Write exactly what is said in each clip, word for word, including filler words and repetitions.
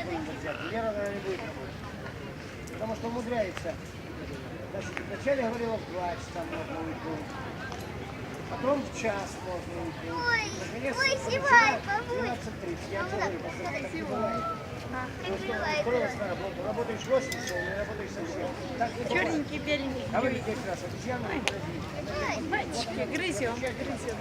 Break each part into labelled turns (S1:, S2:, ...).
S1: кого-нибудь взять. Лера, наверное, не будет работать. Потому что умудряется. Значит, вначале говорила, в два часа можно уйти. Потом в час можно уйти.
S2: Ой,
S1: Наконец,
S2: ой, снимай,
S1: двенадцать тридцать. Я человек, так не бывает.
S2: Как снимай,
S1: Устроилась на работу. Работаешь восемь часов, не работаешь совсем. Так не бывает.
S3: Черненький, беленький.
S1: А вы как раз обезьяну не грозите.
S3: Мальчики, грызем, грызем.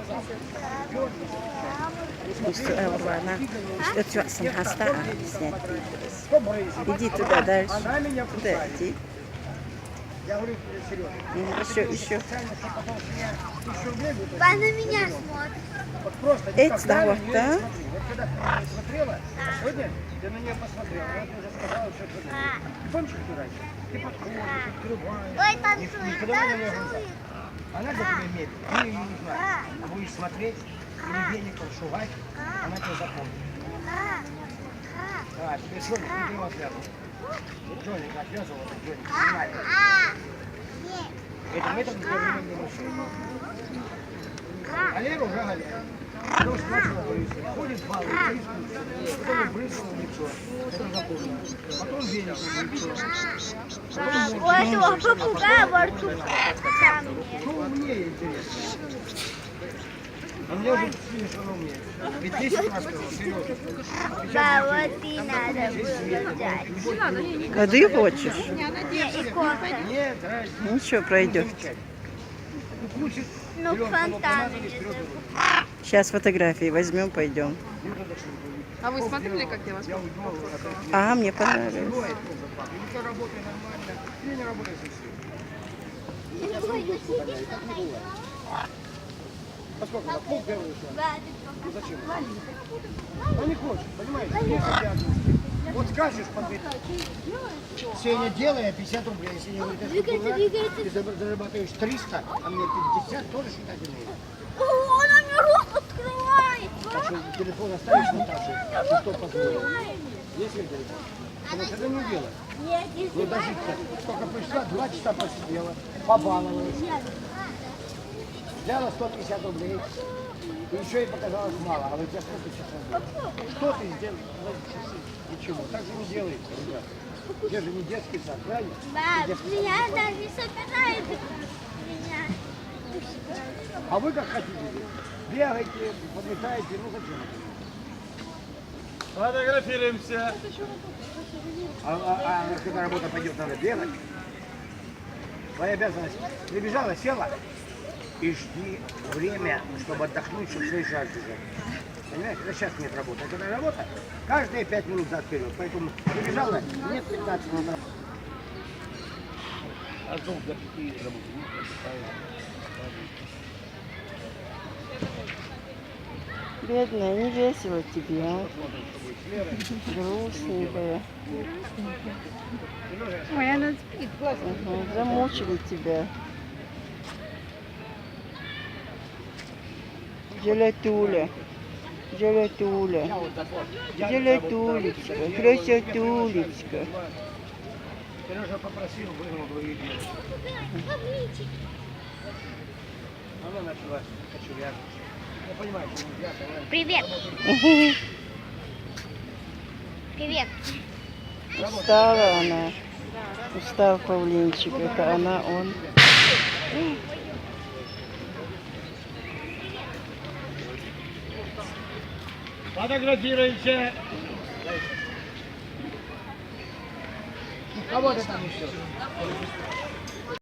S4: Устроила она. Что ты хаста снять?
S1: Что брызжет?
S4: Иди туда дальше.
S1: Она меня
S4: Туда
S1: кусает.
S4: иди.
S1: Я говорю, серьезно.
S4: Еще, еще.
S1: Специально, что потом с меня тысячу рублей будет.
S2: Она на меня смотрит.
S1: Вот просто
S4: Эти
S1: никогда
S4: вот,
S1: на нее
S4: да?
S1: не смотри. Вот когда ты на нее смотрела, а сегодня ты на нее посмотрела. Вот ты уже сказала, что ты думаешь. Помнишь, как ты раньше? Ты подходишь, открываешь.
S2: Ой,
S1: И
S2: танцует,
S1: когда на нее глаза.
S2: танцует.
S1: Она за тебя имеет. Ты ее не знаешь. Будешь смотреть, или веником шугать, она тебя запомнит. А, теперь Джоник, ты его отвязывал. Джоник отвязывал, вот Джоник, снимали. Этим методом для времени мужчин. А Лера уже Галя. Потому что начала брызгать. Ходит баллы, потом брызгала в лицо. Это запомнил. Потом веником в лицо.
S2: У этого попугая борцуха.
S1: Что умнее, интересно? А мне уже видишь, что она умеет. Ведь десять раз сказал, серьезно.
S2: Да, вот и надо было взять.
S4: Воды хочешь?
S2: И кофе.
S1: Нет, разница.
S4: Ничего, пройдет.
S1: Включит.
S2: Ну, фонтан.
S4: Сейчас фотографии возьмем, пойдем.
S3: А вы смотрели, как я вас
S1: Я уйду, опять.
S4: А, мне понравилось.
S1: Бывает тоже так. Или ты работаешь нормально, или не работаешь совсем. Я сам дочь погоняю, так не бывает. Поскольку на пол первый шаг. Ну зачем? Ну не хочешь, понимаете? Есть обязанности. Вот скажешь, подбить. Сеня, делай, а пятьдесят рублей. Если не говорит, ты зарабатываешь триста, а мне пятьдесят, тоже считать умеешь.
S2: Она мне рот открывает.
S1: Так что телефон оставишь Наташе, и что позволил? Есть ли телефон? Потому что это не дело.
S2: Нет, если
S1: Ну даже только пришла, два часа посидела, побаловалась. Взяла сто пятьдесят рублей. И еще ей показалось мало. А у тебя сколько часов было? Что ты сделал за эти часы? Ничего. Так же не делается, ребята. Где же не детский сад, правильно?
S2: баб,
S1: Детский сад.
S2: меня даже собирает. Меня.
S1: А вы как хотите? Бегаете, подметаете, ну зачем?
S5: Фотографируемся.
S1: А, а, а когда работа пойдет, надо бегать. Твоя обязанность. Прибежала, села и жди время, чтобы отдохнуть, чтобы в следующий раз бежать. Понимаешь, это сейчас нет работы. А когда работа, каждые пять минут за вперед. Поэтому прибежала, нет пятнадцать минут.
S5: А долго какие работы?
S4: Бедная, не весело тебе, а? Грустненькая.
S3: Ой, она спит, классно.
S4: Угу, замучили тебя. Желатуля. Желатуля. Желатулечка. Красотулечка.
S1: Сережа попросил, выгнал двоих девочек. Она начала кочевряжиться. Я понимаю, что нельзя, понимаешь?
S2: Привет. Привет.
S4: Устала она. Устал павлинчик. Это она, он.
S5: Фотографируемся.
S1: Кого ты там еще?